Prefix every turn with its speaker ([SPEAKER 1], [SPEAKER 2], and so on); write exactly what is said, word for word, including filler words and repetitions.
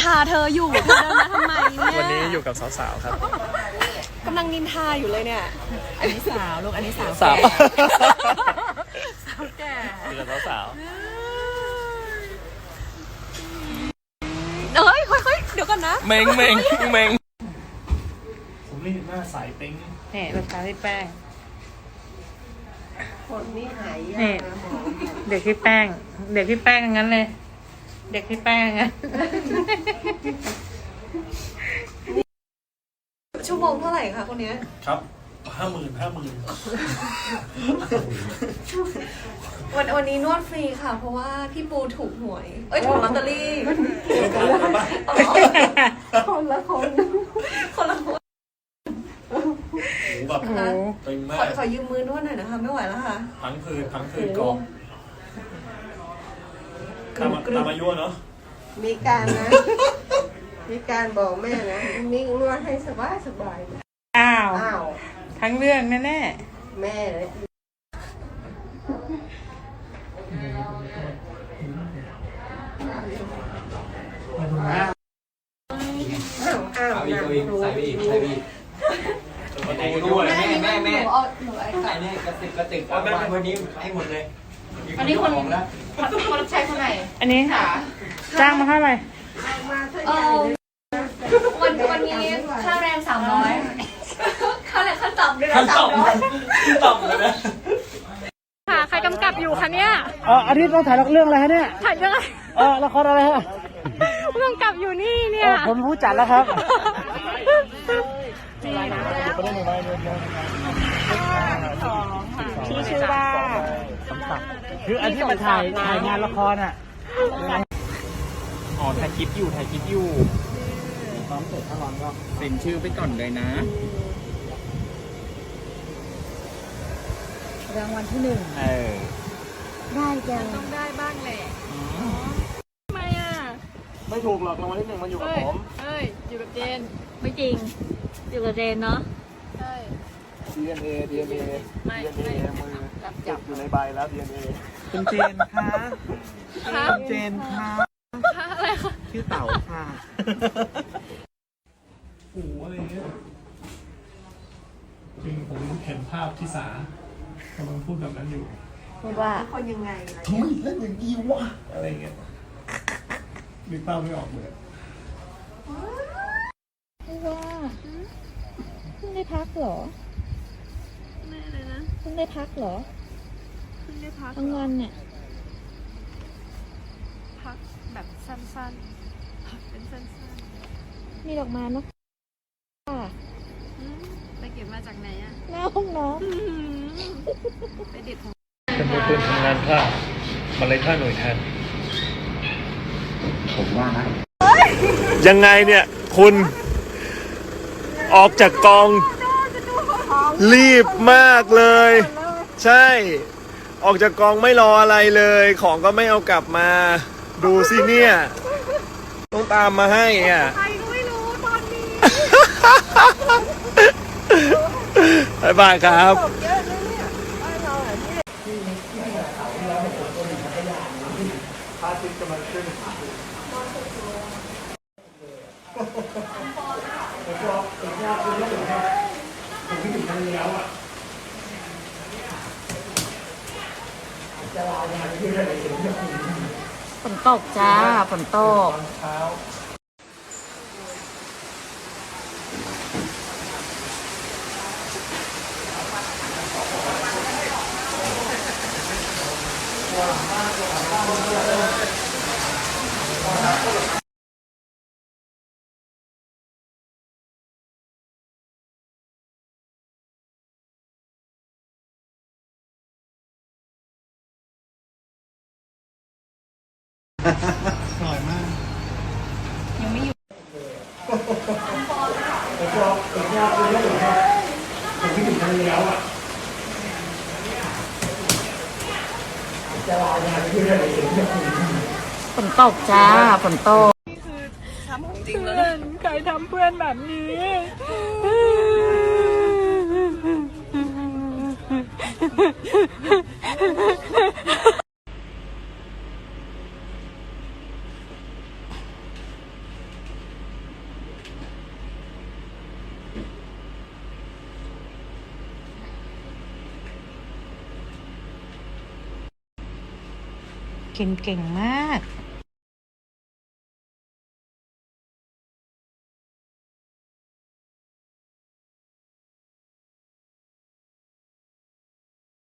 [SPEAKER 1] าเธออยู่เธอเดินมาทำไมเนี่ย
[SPEAKER 2] วันนี้อยู่กับสาวๆครับ
[SPEAKER 1] กำลังนินทาอยู่เลยเนี่ย
[SPEAKER 3] อันนี้สาวลูกอันนี้สาว
[SPEAKER 2] สาว
[SPEAKER 3] สาวแก่
[SPEAKER 2] อยู่กับสาว
[SPEAKER 1] เอ้ยค่อยๆเดี๋ยวก่อนนะ
[SPEAKER 2] เมงเมงเมงผมนี่หน้าใสเป้ง
[SPEAKER 3] เนี่ยรองเท้าที่แป้ง
[SPEAKER 4] คนนี้หายยากนะหมอ
[SPEAKER 3] เด็กที่แป้งเด็กที่แป้งงั้นเลยเด็กที่แป้งงั้น
[SPEAKER 1] ชั่วโมงเท่าไหร่คะคนนี้
[SPEAKER 2] ครับห้าหมื่นห้าหมื่น
[SPEAKER 1] วันวันนี้นวดฟรีค่ะเพราะว่าพี่ปูถูกหวยเอ้ยถูกลอตเตอรี่
[SPEAKER 4] คนละคน
[SPEAKER 1] คนละคน
[SPEAKER 2] แบบตึงมาก
[SPEAKER 1] ขอยืมมือนวดหน่อยนะคะไม่ไหวแล้วค่ะ
[SPEAKER 2] ทั้งคืนทั้งคืนกองตามตามอายุเนาะ
[SPEAKER 4] มีการนะมีการบอกแม่นะนิ่งนวดให้สบายสบาย
[SPEAKER 3] อ้าว
[SPEAKER 4] อ้าว
[SPEAKER 3] ทั้งเรื่องแน่แน่
[SPEAKER 4] แม่เลยอ้าวอ้าวนะครูใส่ไปอีกใส่ไปอีก
[SPEAKER 2] แม่แม่แม่แม่
[SPEAKER 4] ใส่เนี่ยกระติกกระติกเอามาวันนี้ให้หมดเลย
[SPEAKER 3] อันนี้คนแล้วคนใช้คนไหนอันนี้ค่ะจ้างมาเท่าไหร่
[SPEAKER 1] เออวันวันนี้ค่าแรงสามร้อยค่าแรงขั้นต่ำด้วยนะสามร้อย
[SPEAKER 2] ขั้นต่ำเลยนะ
[SPEAKER 1] ค่ะใครกำกับอยู่คะเนี่ย
[SPEAKER 5] อ๋ออันนี้ต้องถ่ายเรื่องอะไรฮะเนี่ย
[SPEAKER 1] ถ่ายเรื่องอะไร
[SPEAKER 5] เออละครอะไรฮะ
[SPEAKER 1] กำกับอยู่นี่เนี่ย
[SPEAKER 5] ผมรู้จักแล้วครับ
[SPEAKER 3] ชื่อชื่อว่า
[SPEAKER 5] คืออันที่มาถ่ายถ่ายงานละครอ่ะ
[SPEAKER 2] อ๋อถ่ายคลิปอยู่ถ่ายคลิปอยู่
[SPEAKER 5] พร้อมเสร็จถ้าร้อนก็
[SPEAKER 2] เซ็นชื่อไปก่อนเลยนะ
[SPEAKER 3] รางวัลที่หนึ่ง
[SPEAKER 2] เออ
[SPEAKER 3] ได้จัง
[SPEAKER 1] ต้องได้บ้างแหละทำไมอ่ะ
[SPEAKER 5] ไม่ถูกหรอกรางวัลที่หนึ่งมันอยู่กับผม
[SPEAKER 1] เฮ้ยอยู่กับเจน
[SPEAKER 3] ไม่จริงอยู่กับเจนเนาะ
[SPEAKER 1] ใช่
[SPEAKER 5] ดี เอ็น เอ ดี เอ็น เอ ดี เอ็น เอ มือจับอยู่ในใบแล้ว ดี เอ็น เอ
[SPEAKER 2] คุณเจนคะคุณเจนคะ
[SPEAKER 1] อะไรคะ
[SPEAKER 2] ชื่อเต่าค่ะโอ้อะไรเงี้ยจริงผมเห็นภาพที่สากำลังพูดแบบนั้นอยู่
[SPEAKER 3] พูดว่า
[SPEAKER 4] คนยังไง
[SPEAKER 2] ทำไมเล่นอย่างนี้วะอะไรเงี้ยนึกภาพไม่ออกเลย
[SPEAKER 3] ไม่ว่าเพิ่งได้พักเหรอ
[SPEAKER 1] ไม่เลยนะ
[SPEAKER 3] เพิ่งได้พักเหรอ
[SPEAKER 1] เพิ่งได้พัก
[SPEAKER 3] ทั้งวันเนี่ย
[SPEAKER 1] พักแบบสั้นๆพักเป็นสั้น
[SPEAKER 3] ๆมีดอกไม้เนาะ
[SPEAKER 1] ไปเก็บมาจากไหนอ่ะ
[SPEAKER 3] หน้าห้องน้
[SPEAKER 1] ำไปเด็ดของ
[SPEAKER 2] เป็นมือปืนทำงานผ้ามาเลยค่าหน่วยแทนผมว่านะยังไงเนี่ยคุณออกจากกองรีบมากเลยใช่ออกจากกองไม่รออะไรเลยของก็ไม่เอากลับมาดูสิเนี่ยต้องตามมาให้อ่ะ
[SPEAKER 1] ใครก็ไม่รู้ตอนนี้
[SPEAKER 2] บ๊ายบายครับพาทิตย์กำลังขึ้น
[SPEAKER 3] ฝนตกจ้าฝนตก
[SPEAKER 2] อร่อยมาก
[SPEAKER 3] ยังไม่อยู่
[SPEAKER 2] ผมชอบผมชอบผมชอบผมชอบผมคิดถึงทะเลแล้วอ่ะจะรอนานขึ้นอะไรถึง
[SPEAKER 3] ฝนตกจ้าฝนตก
[SPEAKER 1] นี่คือทำของจริงแล้วใครทำเพื่อนแบบนี้
[SPEAKER 6] เก่งเก่งมาก